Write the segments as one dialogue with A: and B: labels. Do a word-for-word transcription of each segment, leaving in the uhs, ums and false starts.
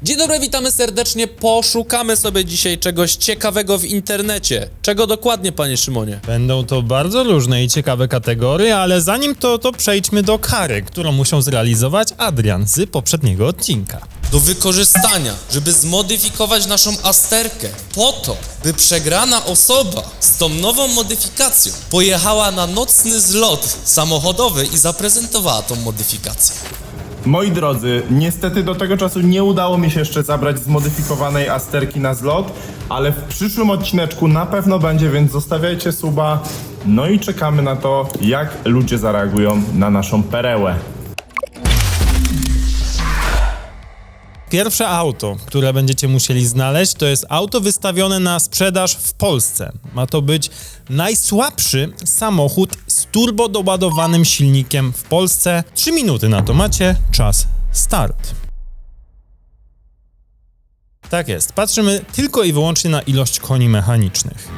A: Dzień dobry, witamy serdecznie. Poszukamy sobie dzisiaj czegoś ciekawego w internecie. Czego dokładnie, panie Szymonie?
B: Będą to bardzo różne i ciekawe kategorie, ale zanim to, to przejdźmy do kary, którą musiał zrealizować Adrian z poprzedniego odcinka.
A: Do wykorzystania, żeby zmodyfikować naszą Asterkę po to, by przegrana osoba z tą nową modyfikacją pojechała na nocny zlot samochodowy i zaprezentowała tą modyfikację.
C: Moi drodzy, niestety do tego czasu nie udało mi się jeszcze zabrać zmodyfikowanej Asterki na zlot, ale w przyszłym odcineczku na pewno będzie, więc zostawiajcie suba. No i czekamy na to, jak ludzie zareagują na naszą perełę.
B: Pierwsze auto, które będziecie musieli znaleźć, to jest auto wystawione na sprzedaż w Polsce. Ma to być najsłabszy samochód z turbo doładowanym silnikiem w Polsce. Trzy minuty na to macie, czas start. Tak jest, patrzymy tylko i wyłącznie na ilość koni mechanicznych.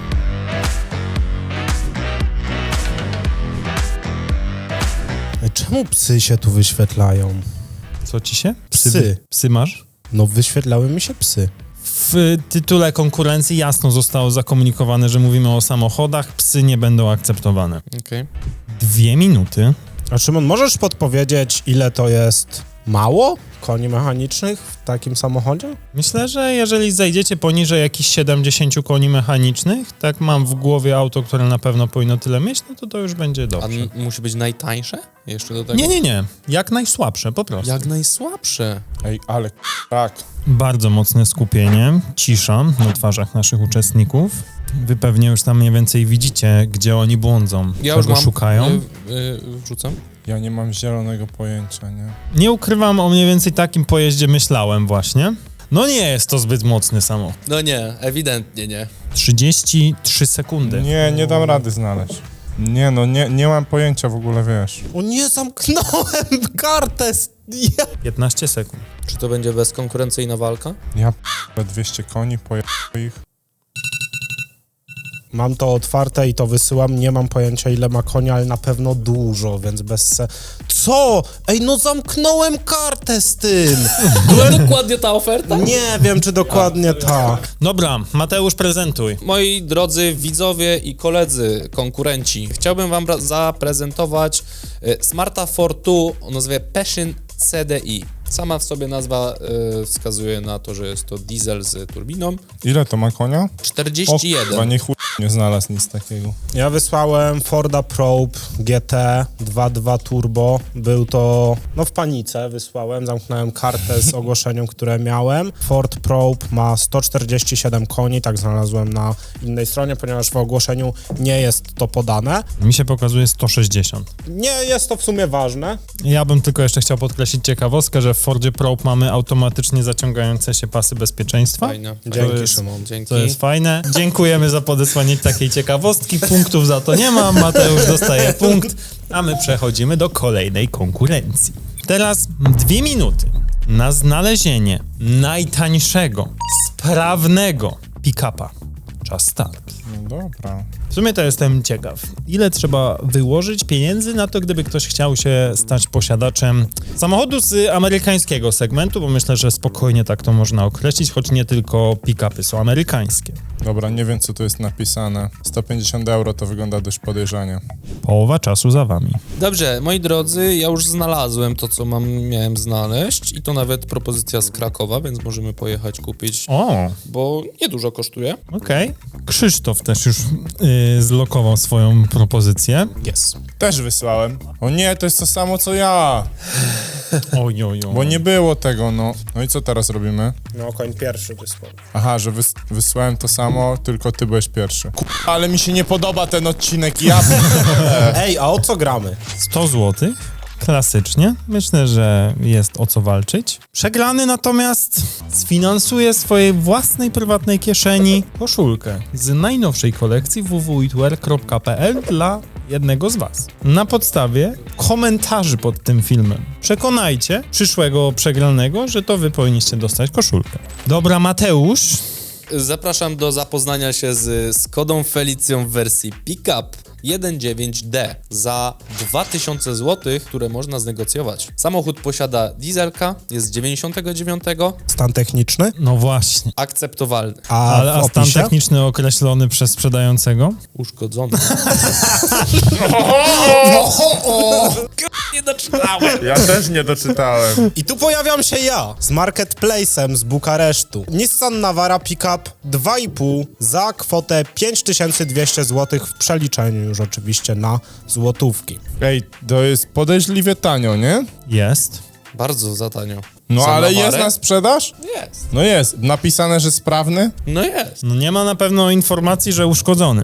D: Czemu psy się tu wyświetlają?
B: Co ci się? Psy.
D: Psy.
B: Psy masz?
D: No wyświetlały mi się psy.
B: W tytule konkurencji jasno zostało zakomunikowane, że mówimy o samochodach, psy nie będą akceptowane.
A: Okej.
B: Dwie minuty.
D: A Szymon, możesz podpowiedzieć, ile to jest mało koni mechanicznych w takim samochodzie?
B: Myślę, że jeżeli zejdziecie poniżej jakichś siedemdziesiąt koni mechanicznych, tak mam w głowie auto, które na pewno powinno tyle mieć, no to to już będzie
A: A
B: dobrze.
A: n- musi być najtańsze? Jeszcze do tego?
B: Nie, nie, nie. Jak najsłabsze, po prostu.
A: Jak najsłabsze.
C: Ej, ale tak.
B: Bardzo mocne skupienie, cisza na twarzach naszych uczestników. Wy pewnie już tam mniej więcej widzicie, gdzie oni błądzą,
A: Ja
B: czego
A: już mam.
B: szukają.
A: Y, y, wrzucam.
E: Ja nie mam zielonego pojęcia, nie?
B: Nie ukrywam, o mniej więcej takim pojeździe myślałem właśnie. No nie jest to zbyt mocny samochód.
A: No nie, ewidentnie nie.
B: trzydzieści trzy sekundy.
E: Nie, nie dam rady znaleźć. Nie no, nie, nie mam pojęcia w ogóle, wiesz.
D: O nie, zamknąłem kartę! Ja...
B: piętnaście sekund.
A: Czy to będzie bezkonkurencyjna walka?
E: Ja p***le dwieście koni, poje ich.
D: Mam to otwarte i to wysyłam. Nie mam pojęcia, ile ma konia, ale na pewno dużo, więc bez se... Co? Ej, no zamknąłem kartę z tym!
A: Była dokładnie ta oferta?
D: Nie wiem, czy dokładnie tak.
B: Dobra, Mateusz, prezentuj.
A: Moi drodzy widzowie i koledzy, konkurenci, chciałbym wam ra- zaprezentować y, Smarta Fortwo o nazwie Passion C D I. Sama w sobie nazwa y, wskazuje na to, że jest to diesel z turbiną.
E: Ile to ma konia? O
A: czterdzieści jeden.
E: kurwa, nie chuj nie znalazł nic takiego.
D: Ja wysłałem Forda Probe G T dwa przecinek dwa Turbo. Był to, no w panice wysłałem, zamknąłem kartę z ogłoszeniem, które miałem. Ford Probe ma sto czterdzieści siedem koni, tak znalazłem na innej stronie, ponieważ w ogłoszeniu nie jest to podane.
B: Mi się pokazuje sto sześćdziesiąt.
D: Nie jest to w sumie ważne.
B: Ja bym tylko jeszcze chciał podkreślić ciekawostkę, że w Fordzie Probe mamy automatycznie zaciągające się pasy bezpieczeństwa.
A: Fajne.
D: Dzięki,
B: jest-
D: Szymon.
A: Dzięki.
B: To jest fajne. Dziękujemy za podesłanie takiej ciekawostki. Punktów za to nie ma. Mateusz dostaje punkt, a my przechodzimy do kolejnej konkurencji. Teraz dwie minuty na znalezienie najtańszego, sprawnego pick-upa. Czas start.
E: No dobra.
B: W sumie to jestem ciekaw, ile trzeba wyłożyć pieniędzy na to, gdyby ktoś chciał się stać posiadaczem samochodu z amerykańskiego segmentu, bo myślę, że spokojnie tak to można określić, choć nie tylko pick-upy są amerykańskie.
E: Dobra, nie wiem co tu jest napisane. sto pięćdziesiąt euro to wygląda dość podejrzanie.
B: Połowa czasu za wami.
A: Dobrze, moi drodzy, ja już znalazłem to, co mam, miałem znaleźć i to nawet propozycja z Krakowa, więc możemy pojechać kupić,
B: O,
A: bo niedużo kosztuje.
B: okej. Krzysztof też już yy, zlokował swoją propozycję.
A: Jest.
E: Też wysłałem. O nie, to jest to samo co ja.
B: Oj, oj, oj.
E: Bo nie było tego, no. No i co teraz robimy?
D: No, koń pierwszy wysłał.
E: Aha, że wys wysłałem to samo, tylko ty byłeś pierwszy. Kurwa, ale mi się nie podoba ten odcinek, ja...
D: Ej, a o co gramy?
B: sto złotych. Klasycznie. Myślę, że jest o co walczyć. Przegrany natomiast sfinansuje swojej własnej prywatnej kieszeni koszulkę z najnowszej kolekcji w w w kropka eatwear kropka p l dla jednego z was. Na podstawie komentarzy pod tym filmem przekonajcie przyszłego przegranego, że to wy powinniście dostać koszulkę. Dobra, Mateusz.
A: Zapraszam do zapoznania się z Skodą Felicją w wersji pick-up. jeden dziewięć D za dwa tysiące złotych, które można znegocjować. Samochód posiada dieselka, jest z dziewięćdziesiątego dziewiątego,
D: Stan techniczny?
B: No właśnie.
A: akceptowalny,
D: A
B: Ale
D: w
B: a stan
D: opisie?
B: techniczny określony przez sprzedającego?
A: uszkodzony. Nie doczytałem.
C: Ja też nie doczytałem.
D: I tu pojawiam się ja z marketplace'em z Bukaresztu. Nissan Navara Pickup dwa i pół za kwotę pięć tysięcy dwieście złotych w przeliczeniu już oczywiście na złotówki.
E: Ej, to jest podejrzliwie tanio, nie?
B: Jest.
A: Bardzo za tanio.
E: No
A: Za
E: ale
A: Navarę?
E: jest na sprzedaż?
A: Jest.
E: No jest. Napisane, że sprawny?
A: No jest.
B: No nie ma na pewno informacji, że uszkodzony.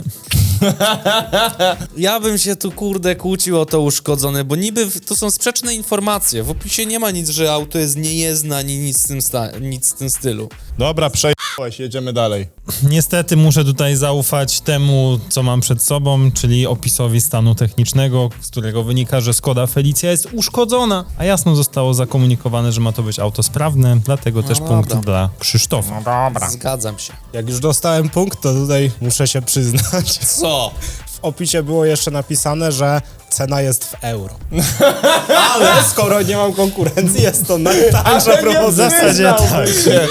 A: Ja bym się tu, kurde, kłócił o to uszkodzone, bo niby w- to są sprzeczne informacje. W opisie nie ma nic, że auto jest niejezdne, ani nic w tym, sta- nic w tym stylu.
E: Dobra, przejechałeś, jedziemy dalej.
B: Niestety muszę tutaj zaufać temu, co mam przed sobą, czyli opisowi stanu technicznego, z którego wynika, że Skoda Felicia jest uszkodzona, a jasno zostało zakomunikowane, że ma to być auto sprawne, dlatego też
A: dobra.
B: punkt dla Krzysztofa.
A: Zgadzam się.
D: Jak już dostałem punkt, to tutaj muszę się przyznać.
A: Co?
D: W opisie było jeszcze napisane, że cena jest w euro. Ale skoro nie mam konkurencji, jest to najtańsza
B: W
D: propozycja.
B: zasadzie tak.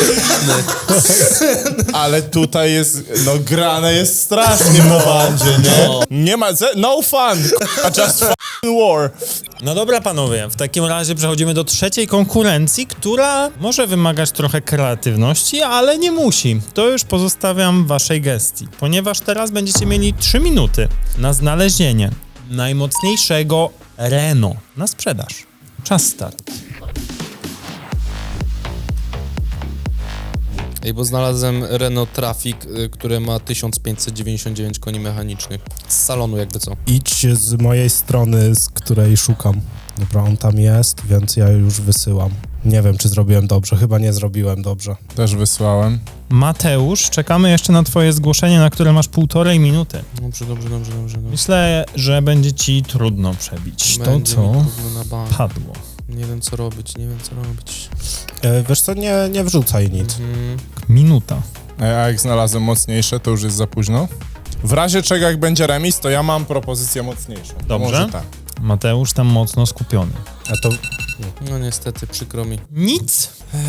E: Ale tutaj jest, no grane jest strasznie w Mowandzie, nie? Nie ma, ze- no fun, k***a, just fucking war.
B: No dobra, panowie, w takim razie przechodzimy do trzeciej konkurencji, która może wymagać trochę kreatywności, ale nie musi. To już pozostawiam waszej gestii, ponieważ teraz będziecie mieli trzy minuty na znalezienie najmocniejszego Renault na sprzedaż. Czas start.
A: Ej, bo znalazłem Renault Trafic, y, które ma tysiąc pięćset dziewięćdziesiąt dziewięć koni mechanicznych. Z salonu jakby co.
D: Idź z mojej strony, z której szukam. Dobra, on tam jest, więc ja już wysyłam. Nie wiem, czy zrobiłem dobrze. Chyba nie zrobiłem dobrze.
E: Też wysłałem.
B: Mateusz, czekamy jeszcze na twoje zgłoszenie, na które masz półtorej minuty.
A: Dobrze, dobrze, dobrze, dobrze. dobrze.
B: Myślę, że będzie ci trudno przebić to,
A: Będzie
B: co
A: mi trudno na bank.
B: padło.
A: Nie wiem co robić, nie wiem co robić.
D: E, wiesz co, nie, nie wrzucaj nic.
A: Mm,
B: Minuta.
E: A jak znalazłem mocniejsze, to już jest za późno. W razie czego, jak będzie remis, to ja mam propozycję mocniejszą. To
B: Dobrze.
E: Może tak.
B: Mateusz tam mocno skupiony.
D: A to
A: no niestety, przykro mi.
B: Nic.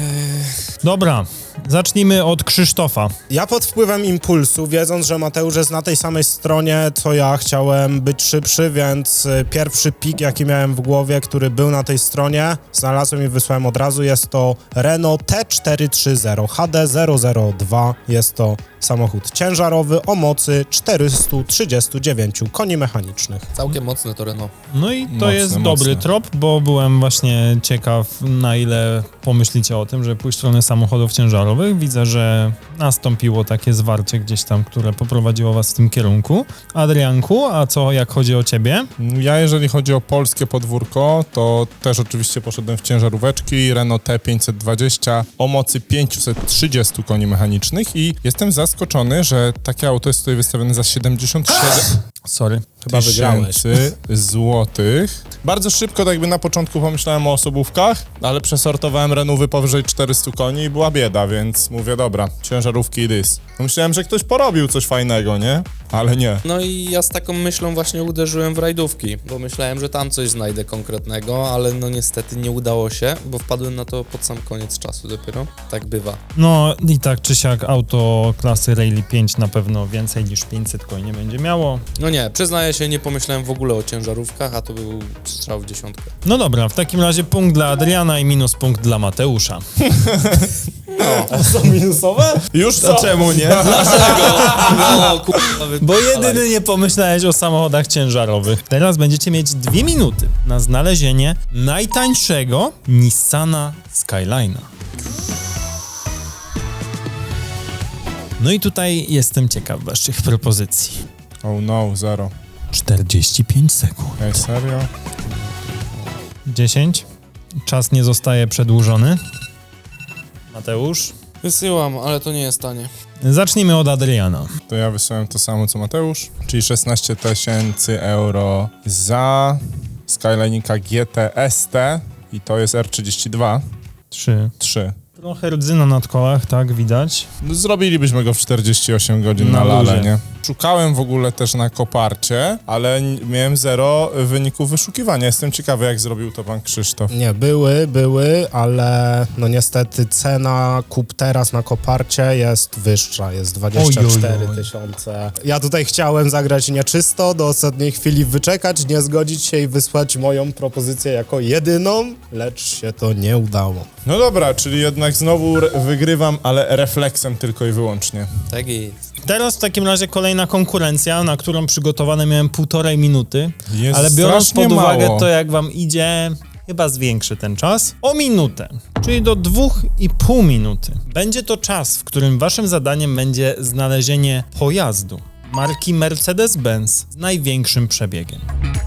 B: Dobra, zacznijmy od Krzysztofa.
D: ja pod wpływem impulsu, wiedząc, że Mateusz jest na tej samej stronie, co ja, chciałem być szybszy, więc y, pierwszy pik, jaki miałem w głowie, który był na tej stronie, znalazłem i wysłałem od razu. Jest to Renault T czterysta trzydzieści H D zero zero dwa. Jest to samochód ciężarowy o mocy czterysta trzydzieści dziewięć koni mechanicznych.
A: Całkiem mocne to Renault.
B: No i to
E: Mocne,
B: jest
E: mocne.
B: dobry trop, bo byłem właśnie ciekaw, na ile pomyślicie o tym, że pójść w stronę samochodów ciężarowych. Widzę, że nastąpiło takie zwarcie gdzieś tam, które poprowadziło was w tym kierunku. Adrianku, a co jak chodzi o ciebie?
E: Ja, jeżeli chodzi o polskie podwórko, to też oczywiście poszedłem w ciężaróweczki Renault T pięćset dwadzieścia o mocy pięćset trzydzieści koni mechanicznych i jestem zaskoczony, że takie auto jest tutaj wystawione za siedemdziesiąt siedem
B: Sorry.
D: Chyba wygrałeś.
E: tysięcy złotych. Bardzo szybko, tak jakby na początku pomyślałem o osobówkach, ale przesortowałem Renaulty powyżej czterystu koni i była bieda, więc mówię, dobra, ciężarówki i dys. Myślałem, że ktoś porobił coś fajnego, nie? Ale nie.
A: No i ja z taką myślą właśnie uderzyłem w rajdówki, bo myślałem, że tam coś znajdę konkretnego, ale no niestety nie udało się, bo wpadłem na to pod sam koniec czasu dopiero. Tak bywa.
B: No i tak czy siak auto klasy Rally pięć na pewno więcej niż pięćset koni nie będzie miało.
A: No nie, przyznaję się, nie pomyślałem w ogóle o ciężarówkach, a to był strzał w dziesiątkę.
B: No dobra, w takim razie punkt dla Adriana i minus punkt dla Mateusza.
D: Są minusowe?
E: Już co?
B: Czemu nie?
A: No kurwa, wy...
B: Bo jedyny nie pomyślałeś o samochodach ciężarowych. Teraz będziecie mieć dwie minuty na znalezienie najtańszego Nissana Skyline'a. No i tutaj jestem ciekaw waszych propozycji.
E: Oh no, zero.
B: czterdzieści pięć sekund.
E: Ej, serio?
B: dziesięć. Czas nie zostaje przedłużony. Mateusz?
A: Wysyłam, ale to nie jest tanie.
B: Zacznijmy od Adriana.
E: To ja wysłałem to samo co Mateusz, czyli szesnaście tysięcy euro za Skyline'ika G T S T i to jest R trzydzieści dwa.
B: trzy.
E: trzy.
B: Trochę rdzyna na kolach, tak, widać.
E: No, zrobilibyśmy go w czterdzieści osiem godzin
B: Na
E: na lale,
B: luzie.
E: nie? Szukałem w ogóle też na koparcie, ale n- miałem zero wyników wyszukiwania. Jestem ciekawy, jak zrobił to pan Krzysztof.
D: Nie, były, były, ale no niestety cena kup teraz na koparcie jest wyższa, jest dwadzieścia cztery tysiące. Ja tutaj chciałem zagrać nieczysto, do ostatniej chwili wyczekać, nie zgodzić się i wysłać moją propozycję jako jedyną, lecz się to nie udało.
E: No dobra, czyli jednak znowu re- wygrywam, ale refleksem tylko i wyłącznie.
A: Tak jest.
B: Teraz w takim razie kolejna konkurencja, na którą przygotowane miałem półtorej minuty,
E: Jest
B: ale biorąc
E: strasznie
B: pod uwagę
E: mało.
B: to, jak wam idzie, chyba zwiększy ten czas o minutę, czyli do dwóch i pół minuty. Będzie to czas, w którym waszym zadaniem będzie znalezienie pojazdu marki Mercedes-Benz z największym przebiegiem.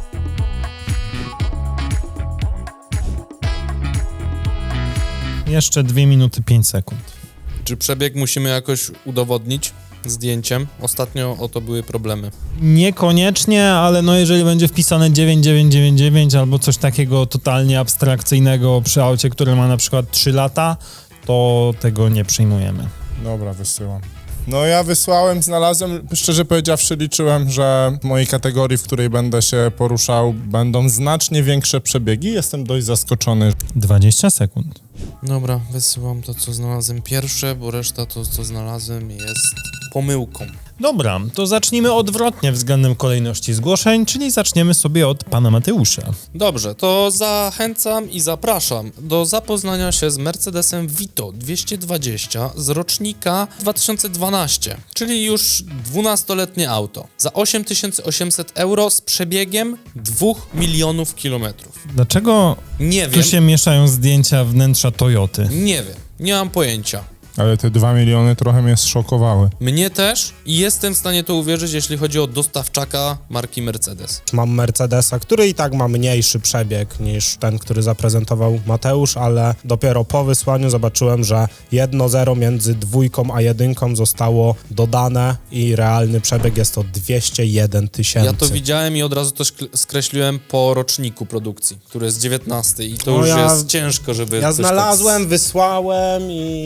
B: Jeszcze dwie minuty pięć sekund.
A: Czy przebieg musimy jakoś udowodnić zdjęciem? Ostatnio o to były problemy.
B: Niekoniecznie, ale no jeżeli będzie wpisane dziewięć dziewięć dziewięć dziewięć albo coś takiego totalnie abstrakcyjnego przy aucie, które ma na przykład trzy lata, to tego nie przyjmujemy.
E: Dobra, wysyłam. No ja wysłałem, znalazłem, szczerze powiedziawszy liczyłem, że w mojej kategorii, w której będę się poruszał, będą znacznie większe przebiegi. Jestem dość zaskoczony.
B: dwadzieścia sekund.
A: Dobra, wysyłam to, co znalazłem pierwsze, bo reszta to, co znalazłem, jest pomyłką.
B: Dobra, to zacznijmy odwrotnie względem kolejności zgłoszeń, czyli zaczniemy sobie od pana Mateusza.
A: Dobrze, to zachęcam i zapraszam do zapoznania się z Mercedesem Vito dwieście dwadzieścia z rocznika dwa tysiące dwanaście, czyli już dwunastoletnie auto. Za osiem tysięcy osiemset euro z przebiegiem dwóch milionów kilometrów.
B: Dlaczego
A: Nie
B: tu
A: wiem,
B: się mieszają zdjęcia wnętrza Toyoty?
A: nie wiem, nie mam pojęcia.
E: Ale te dwa miliony trochę mnie zszokowały.
A: Mnie też i jestem w stanie to uwierzyć, jeśli chodzi o dostawczaka marki Mercedes.
D: Mam Mercedesa, który i tak ma mniejszy przebieg niż ten, który zaprezentował Mateusz, ale dopiero po wysłaniu zobaczyłem, że jedno zero między dwójką a jedynką zostało dodane i realny przebieg jest to dwieście jeden tysięcy.
A: Ja to widziałem i od razu to szkl- skreśliłem po roczniku produkcji, który jest dziewiętnasty i to
D: No
A: już
D: ja-
A: jest ciężko, żeby...
D: Ja
A: coś
D: znalazłem,
A: tak...
D: wysłałem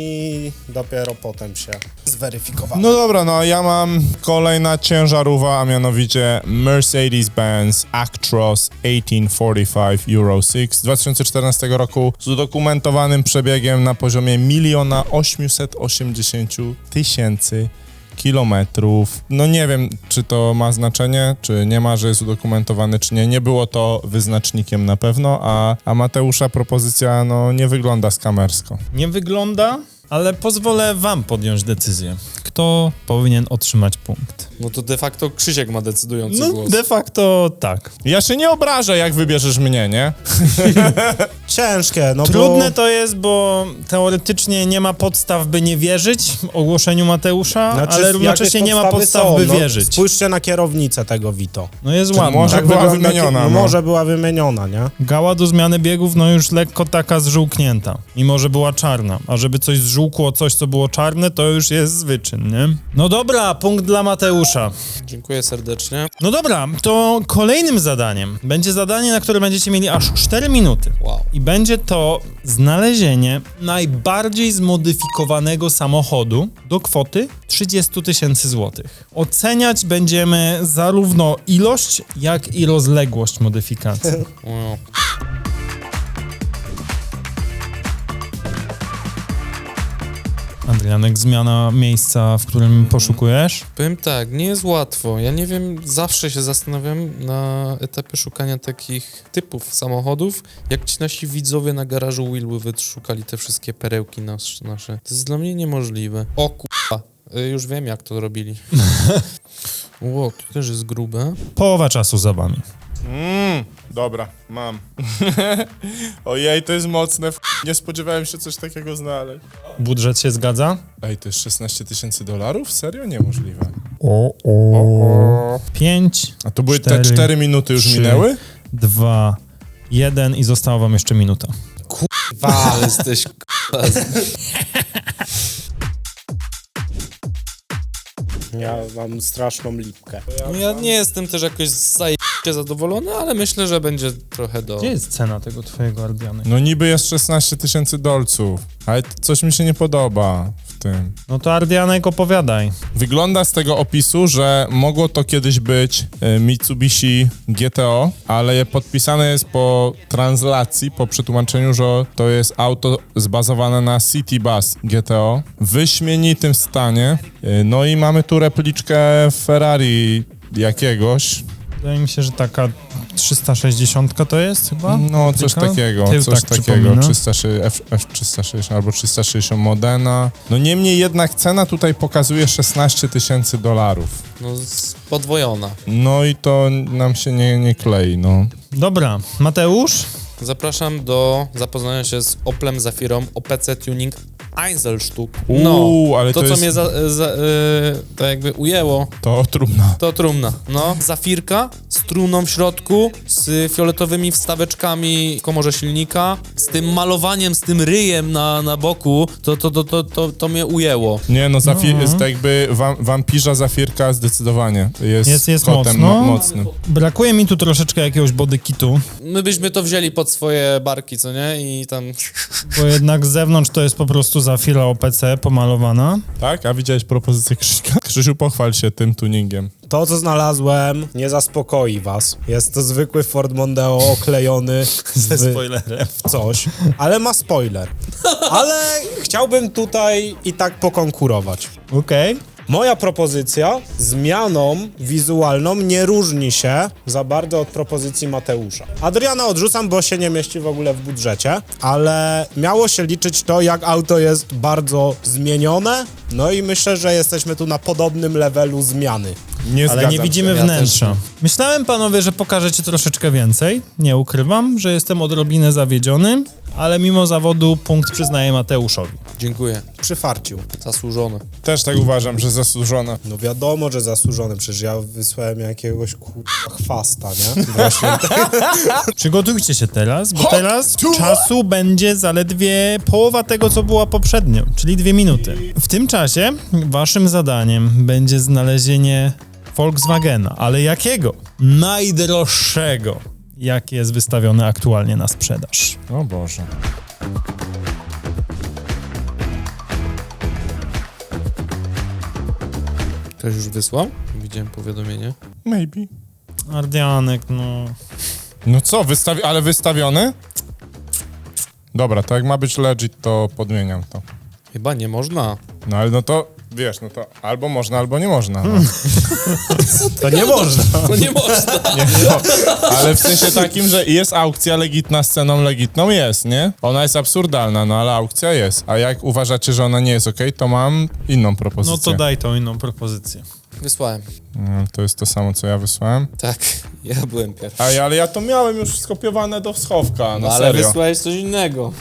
D: i dopiero potem się zweryfikowałem.
E: No dobra, no ja mam kolejna ciężarówka, a mianowicie Mercedes-Benz Actros tysiąc czterdzieści pięć Euro sześć z dwa tysiące czternastego roku z udokumentowanym przebiegiem na poziomie miliona osiemset osiemdziesiąt tysięcy kilometrów. No nie wiem, czy to ma znaczenie, czy nie ma, że jest udokumentowany, czy nie. Nie było to wyznacznikiem na pewno, a, a Mateusza propozycja no nie wygląda skamersko.
B: Nie wygląda, ale pozwolę wam podjąć decyzję. Kto powinien otrzymać punkt?
A: No to de facto Krzysiek ma decydujący
B: No
A: głos.
B: de facto tak.
E: Ja się nie obrażę, jak wybierzesz mnie, nie?
D: Ciężkie, no
B: Trudne
D: bo...
B: to jest, bo teoretycznie nie ma podstaw, by nie wierzyć ogłoszeniu Mateusza,
D: Znaczy,
B: ale równocześnie
D: jakieś
B: nie ma
D: podstawy
B: podstaw,
D: są,
B: by
D: no,
B: wierzyć.
D: Spójrzcie na kierownicę tego Vito.
B: No jest
E: Czy
B: ładna.
E: może
D: Tak
E: była
D: wygląda
E: wymieniona,
D: kie-
E: no.
D: Może była wymieniona, nie?
B: Gała do zmiany biegów, no już lekko taka zżółknięta, mimo że była czarna. A żeby coś zżółkło, coś co było czarne, to już jest zwyczyn, nie? No dobra, punkt dla Mateusza.
A: Dziękuję serdecznie.
B: No dobra, to kolejnym zadaniem będzie zadanie, na które będziecie mieli aż cztery minuty.
A: Wow.
B: I będzie to znalezienie najbardziej zmodyfikowanego samochodu do kwoty trzydzieści tysięcy złotych. Oceniać będziemy zarówno ilość, jak i rozległość modyfikacji.
A: Wow.
B: Adrianek, zmiana miejsca, w którym poszukujesz?
A: Powiem tak, nie jest łatwo. Ja nie wiem, zawsze się zastanawiam na etapie szukania takich typów samochodów, jak ci nasi widzowie na garażu Willwyt szukali te wszystkie perełki nas, nasze. To jest dla mnie niemożliwe. O kurwa, y, już wiem jak to robili. Ło, to też jest grube.
B: Połowa czasu za wami.
E: Mm, dobra, mam. Ojej, to jest mocne. F- Nie spodziewałem się coś takiego znaleźć.
B: Budżet się zgadza?
E: Ej, to jest szesnaście tysięcy dolarów? Serio? Niemożliwe.
B: O, o. Pięć,
E: A to były
B: Cztery,
E: te cztery minuty już
B: trzy.
E: minęły?
B: dwa, jeden i została wam jeszcze minuta.
A: Wa, jesteś kurwa.
D: Ja mam straszną lipkę.
A: No ja nie jestem też jakoś zaj... zadowolony, ale myślę, że będzie trochę do...
B: Gdzie jest cena tego twojego Ardianek?
E: No niby jest szesnaście tysięcy dolców, ale coś mi się nie podoba w tym.
B: No to Ardianek opowiadaj.
E: Wygląda z tego opisu, że mogło to kiedyś być e, Mitsubishi G T O, ale podpisane jest po translacji, po przetłumaczeniu, że to jest auto zbazowane na City Bus G T O w wyśmienitym stanie. E, no i mamy tu repliczkę Ferrari jakiegoś.
B: Wydaje mi się, że taka trzysta sześćdziesiąt to jest chyba?
E: No, coś
B: Replika?
E: takiego,
B: Tył
E: coś
B: tak
E: takiego,
B: przypomina.
E: trzysta sześćdziesiąt, F, F360 albo trzysta sześćdziesiąt Modena. No niemniej jednak cena tutaj pokazuje szesnaście tysięcy dolarów.
A: No, z- podwojona.
E: No i to nam się nie, nie klei, no.
B: Dobra, Mateusz?
A: Zapraszam do zapoznania się z Oplem Zafirą O P C Tuning Einzelstück. No,
E: Uuu, ale
A: to,
E: to
A: co
E: jest-
A: mnie za, za, yy, tak jakby ujęło,
E: To trudno.
A: to trumna. No, Zafirka z trumną w środku, z fioletowymi wstaweczkami w komorze silnika, z tym malowaniem, z tym ryjem na, na boku, to, to, to, to, to, to mnie ujęło.
E: Nie, no, zafi-
B: No.
E: jest tak jakby wam- wampirza Zafirka zdecydowanie jest,
B: Jest- jest
E: kotem
B: mocno.
E: mo- mocnym.
B: Brakuje mi tu troszeczkę jakiegoś body kitu,
A: My byśmy to wzięli pod swoje barki, co nie? I tam...
B: bo jednak z zewnątrz to jest po prostu Zafira O P C pomalowana.
E: Tak? A widziałeś propozycję Krzyśka? Krzysiu, pochwal się tym tuningiem.
D: To, co znalazłem, nie zaspokoi was. Jest to zwykły Ford Mondeo oklejony
B: Ze
D: w
B: spoilerem.
D: coś, ale ma spoiler. Ale chciałbym tutaj i tak pokonkurować.
B: Okej.
D: Moja propozycja zmianą wizualną nie różni się za bardzo od propozycji Mateusza. Adriana odrzucam, bo się nie mieści w ogóle w budżecie, ale miało się liczyć to, jak auto jest bardzo zmienione, no i myślę, że jesteśmy tu na podobnym levelu zmiany.
E: Nie
B: Ale
E: zgadzam
B: nie widzimy
E: się.
A: Ja
B: wnętrza.
A: też
B: Myślałem, panowie, że pokażecie troszeczkę więcej. Nie ukrywam, że jestem odrobinę zawiedziony, ale mimo zawodu punkt przyznaję Mateuszowi.
A: Dziękuję.
D: Przyfarcił.
A: Zasłużone.
E: Też tak uważam, że zasłużone.
D: No wiadomo, że zasłużony, przecież ja wysłałem jakiegoś kurwa chwasta, nie? Właśnie.
B: Przygotujcie się teraz, bo teraz czasu będzie zaledwie połowa tego, co była poprzednio, czyli dwie minuty. W tym czasie waszym zadaniem będzie znalezienie Volkswagena, ale jakiego? Najdroższego, jaki jest wystawiony aktualnie na sprzedaż.
E: O Boże.
A: Ktoś już wysłał? Widziałem powiadomienie.
E: Maybe.
B: Ardianek, no...
E: No co, wystawi- ale wystawiony? Dobra, to jak ma być legit, to podmieniam to.
A: Chyba nie można.
E: No ale no to, wiesz, no to albo można, albo nie można. No.
D: To nie można.
A: To nie można.
E: Nie, no. Ale w sensie takim, że jest aukcja legitna z ceną legitną, jest, nie? Ona jest absurdalna, no ale aukcja jest. A jak uważacie, że ona nie jest okej, to mam inną propozycję.
B: No to daj tą inną propozycję.
A: Wysłałem.
E: No, to jest to samo, co ja wysłałem.
A: Tak, ja byłem pierwszy.
E: Ej, ale ja to miałem już skopiowane do schowka, no,
A: No ale
E: serio.
A: wysłałeś coś innego.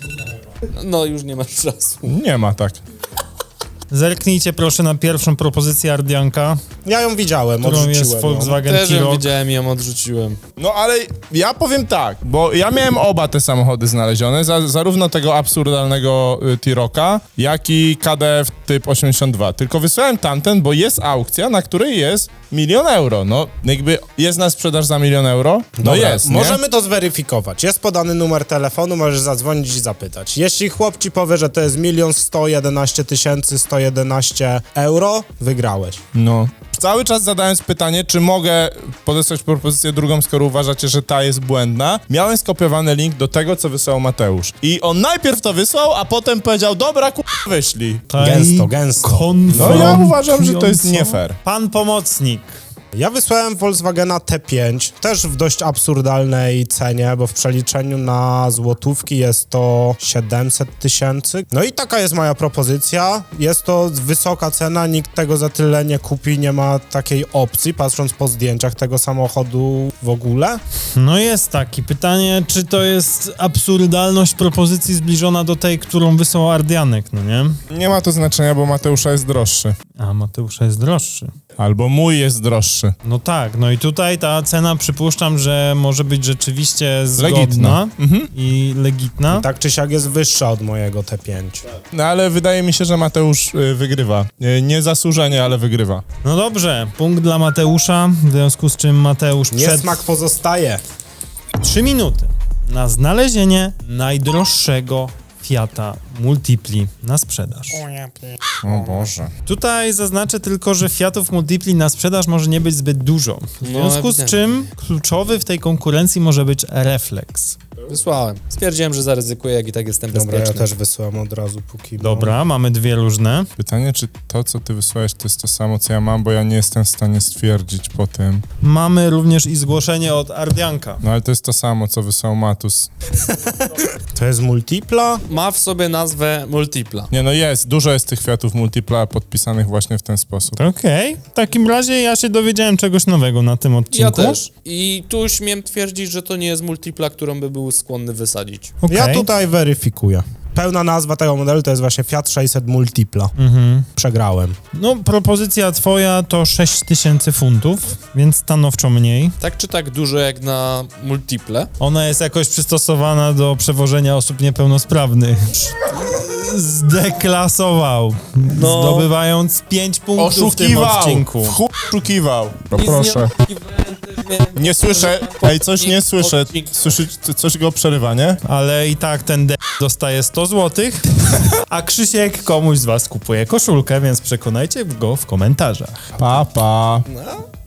A: No już nie masz czasu.
E: Nie ma tak.
B: Zerknijcie proszę na pierwszą propozycję Ardianka,
D: Ja ją widziałem,
B: którą
D: odrzuciłem
B: jest
D: ją.
B: Volkswagen
A: Też ją
B: T-Roc.
A: widziałem i ją odrzuciłem.
E: No ale ja powiem tak, bo ja miałem oba te samochody znalezione, za, zarówno tego absurdalnego y, T-Rocka, jak i K D F typ osiemdziesiąt dwa. Tylko wysłałem tamten, bo jest aukcja, na której jest milion euro. No jakby jest na sprzedaż za milion euro? No
D: Dobra,
E: jest, nie?
D: możemy to zweryfikować. Jest podany numer telefonu, możesz zadzwonić i zapytać. Jeśli chłop ci powie, że to jest milion sto jedenaście tysięcy sto jedenaście euro, wygrałeś.
E: No. Cały czas zadając pytanie, czy mogę podesłać propozycję drugą, skoro uważacie, że ta jest błędna. Miałem skopiowany link do tego, co wysłał Mateusz. I on najpierw to wysłał, a potem powiedział, dobra, ku... wyślij.
D: Gęsto, gęsto.
E: No ja uważam, że to jest nie fair.
B: Pan pomocnik.
D: Ja wysłałem Volkswagena T pięć, też w dość absurdalnej cenie, bo w przeliczeniu na złotówki jest to siedemset tysięcy. No i taka jest moja propozycja. Jest to wysoka cena, nikt tego za tyle nie kupi, nie ma takiej opcji, patrząc po zdjęciach tego samochodu w ogóle.
B: No jest taki. Pytanie, czy to jest absurdalność propozycji zbliżona do tej, którą wysłał Ardianek, no nie?
E: Nie ma to znaczenia, bo Mateusza jest droższy.
B: A Mateusza jest droższy.
E: Albo mój jest droższy.
B: No tak, no i tutaj ta cena przypuszczam, że może być rzeczywiście zgodna
E: Legitna. Mhm.
B: i legitna.
D: Tak czy siak jest wyższa od mojego T pięć.
E: No ale wydaje mi się, że Mateusz y, wygrywa. Y, niezasłużenie, ale wygrywa.
B: No dobrze, punkt dla Mateusza, w związku z czym Mateusz przed
D: Niesmak pozostaje.
B: trzy minuty na znalezienie najdroższego Fiata Multipli na sprzedaż.
E: O Boże.
B: Tutaj zaznaczę tylko, że Fiatów Multipli na sprzedaż może nie być zbyt dużo. W
A: No,
B: związku z
A: ewidentnie.
B: czym kluczowy w tej konkurencji może być Reflex.
A: Wysłałem. Stwierdziłem, że zaryzykuję, jak i tak jestem
D: Dobra,
A: bezpieczny.
D: ja też wysyłam od razu, póki...
B: Dobra, mamy dwie różne.
E: Pytanie, czy to, co ty wysłałeś, to jest to samo, co ja mam, bo ja nie jestem w stanie stwierdzić po tym.
B: Mamy również i zgłoszenie od Ardianka.
E: No ale to jest to samo, co wysłał Matus.
D: To jest Multipla?
A: Ma w sobie nazwę Multipla.
E: Nie no jest, dużo jest tych Fiatów Multipla podpisanych właśnie w ten sposób.
B: Okej, w takim razie ja się dowiedziałem czegoś nowego na tym odcinku.
A: Ja też. I tu śmiem twierdzić, że to nie jest Multipla, którą by był skłonny wysadzić.
B: Okej.
D: Ja tutaj weryfikuję. Pełna nazwa tego modelu to jest właśnie Fiat sześćset Multipla.
B: Mhm.
D: Przegrałem.
B: No, propozycja twoja to sześć tysięcy funtów, więc stanowczo mniej.
A: Tak czy tak dużo jak na Multiple.
B: Ona jest jakoś przystosowana do przewożenia osób niepełnosprawnych. Zdeklasował,
A: No.
B: zdobywając pięć punktów w tym odcinku.
E: W chuj oszukiwał! No
A: Nic
E: proszę.
A: nie oczekiwałem, też miałem-
E: Nie słyszę, ej, coś nie słyszę. Słyszy, coś go przerywa, nie?
B: Ale i tak ten d dostaje sto złotych, a Krzysiek komuś z was kupuje koszulkę, więc przekonajcie go w komentarzach.
E: Pa, pa.